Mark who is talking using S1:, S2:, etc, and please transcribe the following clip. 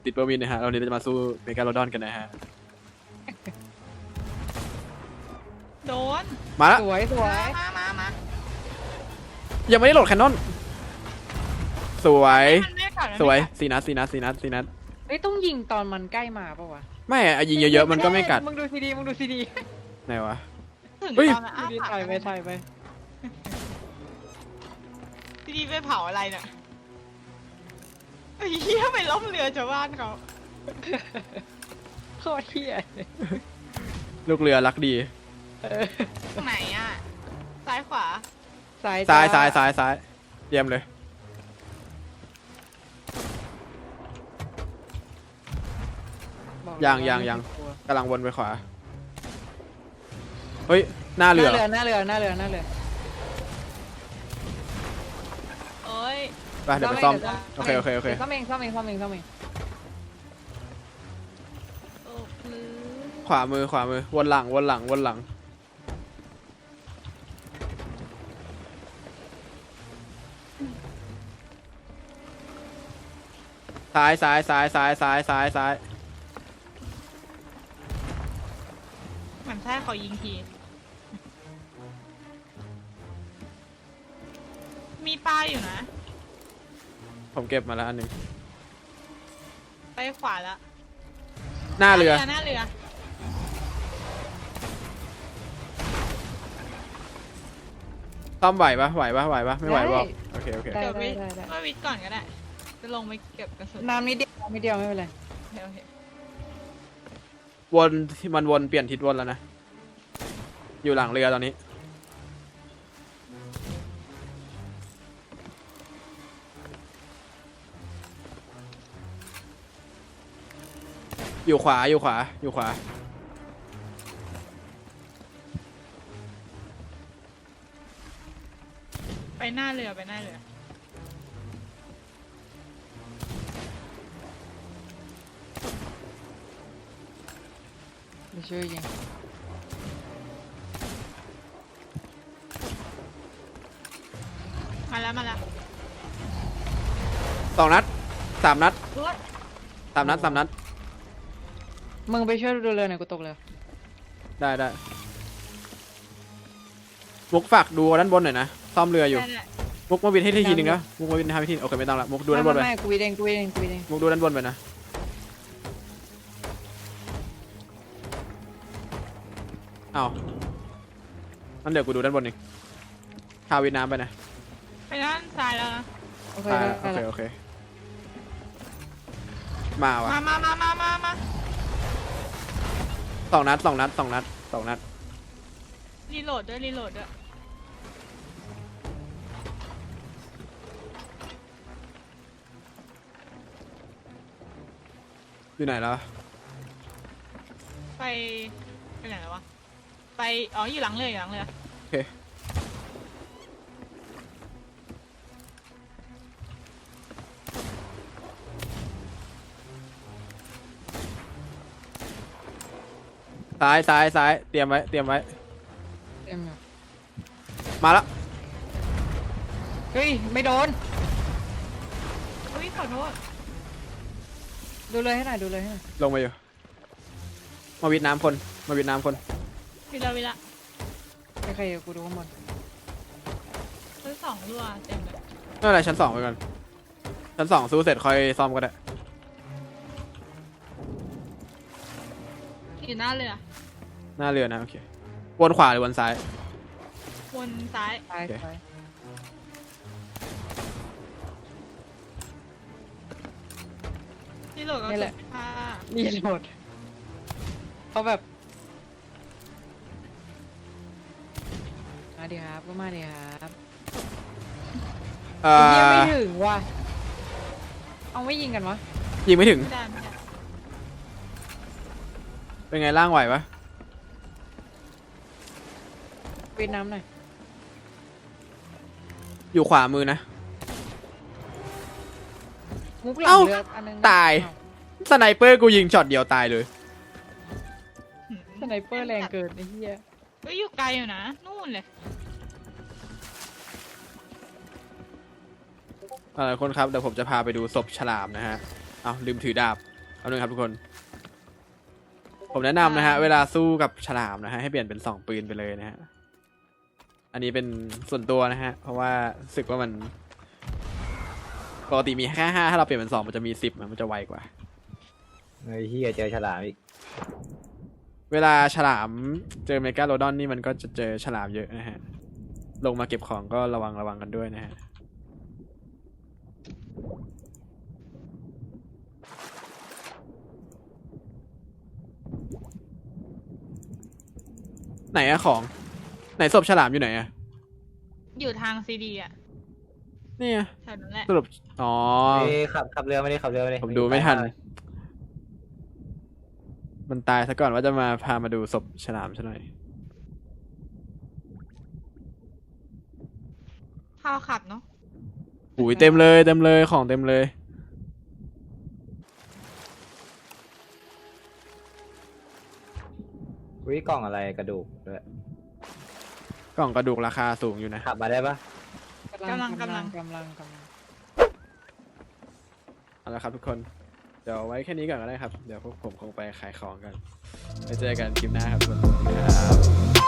S1: ติดเปอร์มินนะฮะเราเนี่ยจะมาสู้เมกาโลดอนกันนะฮะ
S2: โดน
S1: มาแล้ว
S3: สวยสวย
S2: มา
S1: ยังไม่ได้โหลดแคนนอนสวย
S2: มันไม่กัด
S1: สวย4 นัด4 นัด4 นัด4 นัด
S3: เฮ้ยต้องยิงตอนมันใกล้มาปะวะ
S1: ไม่อะยิงเยอะๆมันก็ไม่กัด
S3: มึงดูซีดีมึงดูซีดี
S1: ไหนวะ
S2: ถึง
S1: เฮ้ย
S2: ตอนนั้น
S3: ซีดี
S2: ปาก
S3: ถ่ายไปถ่ายไป
S2: ซีดีไปเผาอะไรเนี่ยไอ้เหี้ยไปล้มเรือชาวบ้านเขา
S3: โคตรเฮี้ย
S1: ลูกเรือรักดี
S2: ตรงไหนอ่ะซ้ายขวา
S3: ซ้าย
S1: ซ้ายซ้ายซ้ายซ้ายเตรียมเลย
S3: บอก
S1: ยังกำลังวนไปขวาเฮ้ยหน้า
S3: ห
S1: เรือ
S3: น้าเรือหน้าเรือหน้าเรือ
S2: เอ้ย
S1: ไปเดี๋ยวไปซ่อมโอเค
S3: ซ่อมเองซ่อมเองซ่อมเองซ่อมเอง
S2: โอ้พลื้
S1: ขวามือวนหลังซ้าย
S2: เหมือนใช่เขายิงทีมีปลาอยู่นะ
S1: ผมเก็บมาแล้วอันหนึ่ง
S2: ไปขวาแล้ว
S1: หน้าเรือ
S2: หน้าเรือ
S1: ซ่อมไหวปะไม่ไหวบอกโอเค
S3: ได้
S2: เดี๋ยว
S3: ได้
S2: วิ
S3: ได้ได้
S2: ว่าวิทย์ก่อนก็ได้ จะลงไปเก็บกระสุน
S3: น้ำนิดเดียวไม่เป็นไร
S2: โอเค
S1: มันวนเปลี่ยนทิศวนแล้วนะอยู่หลังเรือตอนนี้อยู่ขวา
S2: ไปหน้าเรือ
S3: เดี๋ยวช่วยยิง
S2: มาแล้ว
S1: 2 นัด 3 นัด
S2: รถ
S1: 3 นัด
S3: มึงไปช่วยดูเรือหน่อยกูตกเรือ
S1: ได้มุกฝากดูด้านบนหน่อยนะซ่อมเรืออยู่
S2: ได้
S1: มุกมาวินให้ทีนึงนะมุกมาวินให้ทีโอเคไม่ต้องละมุกดูด้านบนไป
S3: ไม่กูวิดเอง
S1: มุกดูด้านบนไปนะเอางั้นเดี๋ยวกูดูด้านบนเองพาวินน้ำไปนะ
S2: ไปด้านซ้ายแล้วนะ
S3: โอเค
S1: โอเคมาวะ
S2: มา
S1: 2 นัด
S2: รีโหลดด้วย
S1: อยู่ไหนแล้ว
S2: ไปไหนแล้ววะ อ๋อ อยู่หลังเรือ
S1: โอเคซ้ายเตรียมไว้
S3: เต็มอยู่
S1: มาแล้ว
S3: เฮ้ยไม่โดน
S2: อุ้ยขอโทษ
S3: ดูเลยให้หน่อย
S1: ลงมาอยู่มาวิดน้ำคน
S2: วิละ
S3: ใครๆกูดูข้างบน
S2: ซื้อ2รัวเต็มเลย
S1: ไม่เป็นไรชั้น 2ไปก่อนชั้น 2สู้เสร็จค่อยซ่อมก็ได้
S2: อยู่หน้าเรือ
S1: หน้าเรือนะโอเควนขวาหรือวนซ้าย
S2: วนซ้าย
S3: ซ้าย
S1: โอเค
S3: ซ้าย
S2: รีโหลดก็
S3: นี่แหละ
S2: ค่ะ
S3: รีโหลดเขาแบบมาดิครับก็มาดิครับ
S1: เอ่
S3: ยิง
S1: อ
S3: ไม่ถึงว่ะเอาไม่ยิงกันวะ
S1: ยิงไม่ถึง
S2: ไม่ได้
S1: เป็นไงล่างไหวปะ
S3: วิดน้ำหน่อย
S1: อยู่ขวามือนะ
S3: มุกหลั
S1: เอ้า
S3: งเรืออันนึง
S1: ตาย สไนเปอร์กูยิงช็อตเดียวตายเลย
S3: สไนเปอร์แรงเกินไอ้เหี้ย
S2: ก็อยู่ไกลอยู่นะ นู่นเลย
S1: คนครับเดี๋ยวผมจะพาไปดูศพฉลามนะฮะเอาลืมถือดาบเอาหนึ่งครับทุกคน ผมแนะนำนะฮะ เวลาสู้กับฉลามนะฮะ ให้เปลี่ยนเป็น2ปืนไปเลยนะฮะ อันนี้เป็นส่วนตัวนะฮะ เพราะว่ารู้สึกว่ามันปกติมีแค่5ถ้าเราเปลี่ยนเป็น2มันจะมี10มันจะไวกว่า
S4: เฮ้ยเฮียเจอฉลามอีก
S1: เวลาฉลามเจอเมกาโลดอนนี่มันก็จะเจอฉลามเยอะนะฮะ ลงมาเก็บของก็ระวังกันด้วยนะฮะ ไหนอะของ ไหนศพฉลามอยู่ไหนอะ
S2: อยู่ทางซีดีอะ
S1: เนี่ย
S2: แถวนั้นแหละ
S1: สรุปอ๋อ
S4: เอ้ยขับเรือไม่ได้ขับเรือไม่ได้
S1: ผมดูไม่ทัน มันตายซะก่อนว่าจะมาพามาดูศพฉลามซะหน่อย
S2: ข้าวขับเนาะ
S1: อุ้ยเต็มเลยของเต็มเลย
S4: วิกล่องอะไรกระดูกด้วย
S1: กล่องกระดูกราคาสูงอยู่นะ
S4: ขับมาได้ปะ
S3: กำลัง
S1: เอาละครับทุกคน เดี๋ยวไว้แค่นี้ก่อนก็ได้ครับ เดี๋ยวพวกผมคงไปขายของกัน ไปเจอกันคลิปหน้าครับทุกคนครับ